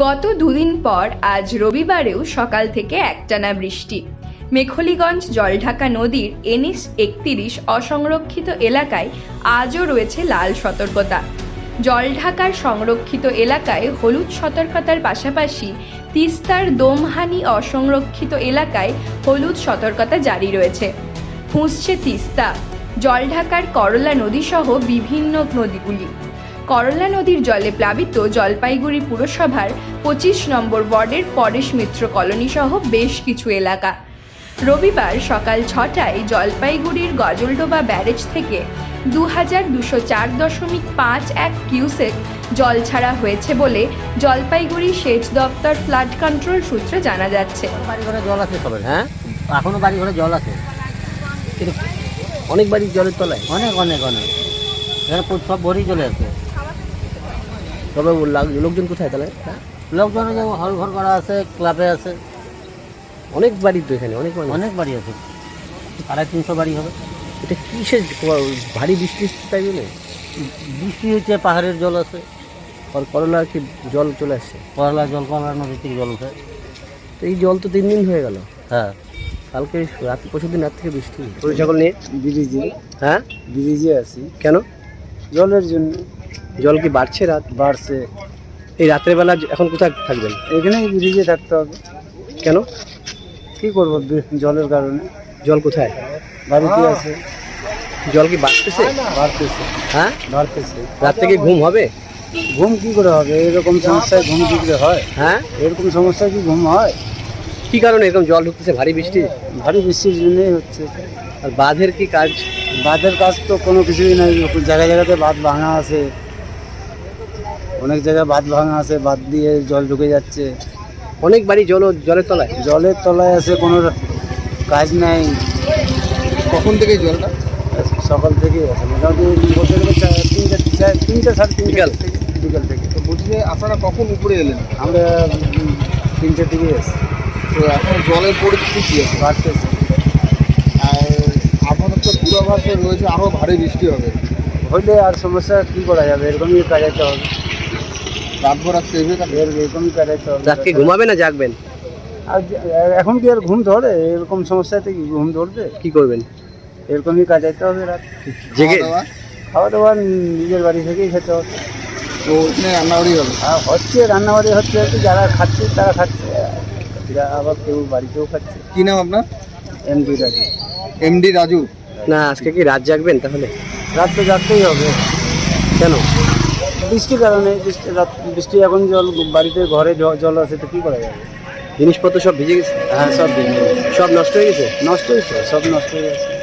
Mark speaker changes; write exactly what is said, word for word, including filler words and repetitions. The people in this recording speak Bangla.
Speaker 1: গত দুদিন পর আজ রবিবারেও সকাল থেকে একটানা বৃষ্টি। মেখলিগঞ্জ জলঢাকা নদীর এনএইচ একত্রিশ অসংরক্ষিত এলাকায় আজও রয়েছে লাল সতর্কতা। জলঢাকার সংরক্ষিত এলাকায় হলুদ সতর্কতার পাশাপাশি তিস্তার দোমহানি অসংরক্ষিত এলাকায় হলুদ সতর্কতা জারি রয়েছে। ফুঁসছে তিস্তা, জলঢাকার করলা নদী সহ বিভিন্ন নদীগুলি। করলা নদীর জলে প্লাবিত জলপাইগুড়ি পুরসভার পঁচিশ নম্বর ওয়ার্ডের পরেশ মিত্র কলোনি সহ বেশ কিছু এলাকা। রবিবার সকাল ছটায় জলপাইগুড়ির গজলডোবা ব্যারেজ থেকে দু হাজার দুশো চার দশমিক পাঁচ এক কিউসেক জল ছাড়া হয়েছে বলে জলপাইগুড়ি সেচ দপ্তর ফ্লাড কন্ট্রোল সূত্রে জানা যাচ্ছে।
Speaker 2: বাড়ি ঘরে জল আছে সবাই, হ্যাঁ এখনো বাড়ি ঘরে জল আছে, অনেক বাড়ি জলের তলায়, অনেক অনেক অনেক এখানে সব ভরেই চলে আসে। তবে লোকজন কোথায় তাহলে? লোকজন হল ঘর করা আছে, ক্লাবে আছে, অনেক বাড়ি তো এখানে, অনেক অনেক বাড়ি আছে, আড়াই তিনশো বাড়ি হবে। এটা কিসের ভারী বৃষ্টি তাই জন্য বৃষ্টি হচ্ছে, পাহাড়ের জল আছে, আর করলা কি জল চলে আসছে, করলা জল করলা নদী থেকে জল উঠে। তো এই জল তো তিন দিন হয়ে গেল। হ্যাঁ, কালকে রাত পরশু দিন রাত থেকে বৃষ্টি। গরু ছাগল নিয়ে
Speaker 3: ব্রিজে,
Speaker 2: হ্যাঁ
Speaker 3: ব্রিজে আছি।
Speaker 2: কেন?
Speaker 3: জলের জন্য।
Speaker 2: জল কি বাড়ছে? রাত
Speaker 3: বাড়ছে।
Speaker 2: এই রাত্রেবেলা এখন কোথায় থাকবেন?
Speaker 3: এখানেই ব্রিজে থাকতে হবে।
Speaker 2: কেন?
Speaker 3: কি করবো জলের কারণে?
Speaker 2: জল কোথায়?
Speaker 3: বাড়িতে আছে।
Speaker 2: জল কি বাড়তেছে?
Speaker 3: বাড়তেছে।
Speaker 2: হ্যাঁ
Speaker 3: বাড়তেছে।
Speaker 2: রাত থেকে ঘুম হবে?
Speaker 3: ঘুম কি করে হবে? এরকম সমস্যায় ঘুম কি করে হয়?
Speaker 2: হ্যাঁ,
Speaker 3: এরকম সমস্যায় কি ঘুম হয়?
Speaker 2: কি কারণে এরকম জল ঢুকতেছে? ভারী বৃষ্টি।
Speaker 3: ভারী বৃষ্টির জন্যই হচ্ছে।
Speaker 2: আর বাঁধের কি কাজ?
Speaker 3: বাঁধের কাজ তো কোনো কিছুই নাই। জায়গায় জায়গাতে বাঁধ ভাঙা আছে, অনেক জায়গায় বাঁধ ভাঙা আছে, বাঁধ দিয়ে জল ঢুকে যাচ্ছে।
Speaker 2: অনেক বাড়ি জল জলের তলায়,
Speaker 3: জলের তলায় আছে, কোনো কাজ নাই।
Speaker 4: কখন থেকে জলটা?
Speaker 3: সকাল থেকে আছে, মোটামুটি বলতে গেলে তিনটা তিনটা সাড়ে তিনটা
Speaker 2: বিকাল
Speaker 3: থেকে বিকাল থেকে।
Speaker 4: তো বলছি যে আপনারা কখন উপরে এলেন?
Speaker 3: আমরা তিনটে থেকে এসছি।
Speaker 4: তো এখন জলের পরিস্থিতি কী আছে?
Speaker 3: বাড়তেছে।
Speaker 4: আর আপনাদের তো পূর্বাভাসে রয়েছে আরও ভারী বৃষ্টি হবে।
Speaker 3: হইলে আর সমস্যা কী করা যাবে? এরকমই কাটাইতে হবে।
Speaker 4: রাতভর আজকে এভাবে কাটবে?
Speaker 3: এর এরকমই কাটাইতে হবে।
Speaker 2: রাতকে ঘুমাবে না জাগবেন?
Speaker 3: আর যে- এখন কি আর ঘুম ধরে? এরকম সমস্যাতে কি ঘুম ধরবে?
Speaker 2: কি করবেন?
Speaker 3: এরকমই কাটাইতে হবে রাত।
Speaker 2: জেগে?
Speaker 4: খাওয়া দাওয়া?
Speaker 3: খাওয়া দাওয়া নিজের বাড়ি থেকেই খেতে হবে।
Speaker 4: তো ওখানে রান্নাবাড়ি হবে?
Speaker 3: আর হচ্ছে রান্নাবাড়ি হচ্ছে, হচ্ছে যারা খাচ্ছে তারা খাচ্ছে, এরা আবার কেউ বাড়িতেও খাচ্ছে।
Speaker 4: কী নাম আপনার?
Speaker 3: এমডি রাজি।
Speaker 4: এমডি রাজু।
Speaker 2: না, আজকে কি রাত জাগবেন তাহলে?
Speaker 3: রাত তো যাতেই হবে।
Speaker 2: কেন?
Speaker 3: বৃষ্টির কারণে। বৃষ্টি রাত বৃষ্টি এখন জল বাড়িতে ঘরে জ- জল আছে, তো কী করা যাবে?
Speaker 2: জিনিসপত্র সব ভিজে গেছে?
Speaker 3: হ্যাঁ, সব দিন
Speaker 2: সব নষ্ট হয়ে গেছে?
Speaker 3: নষ্টই তো, সব নষ্ট হয়ে গেছে।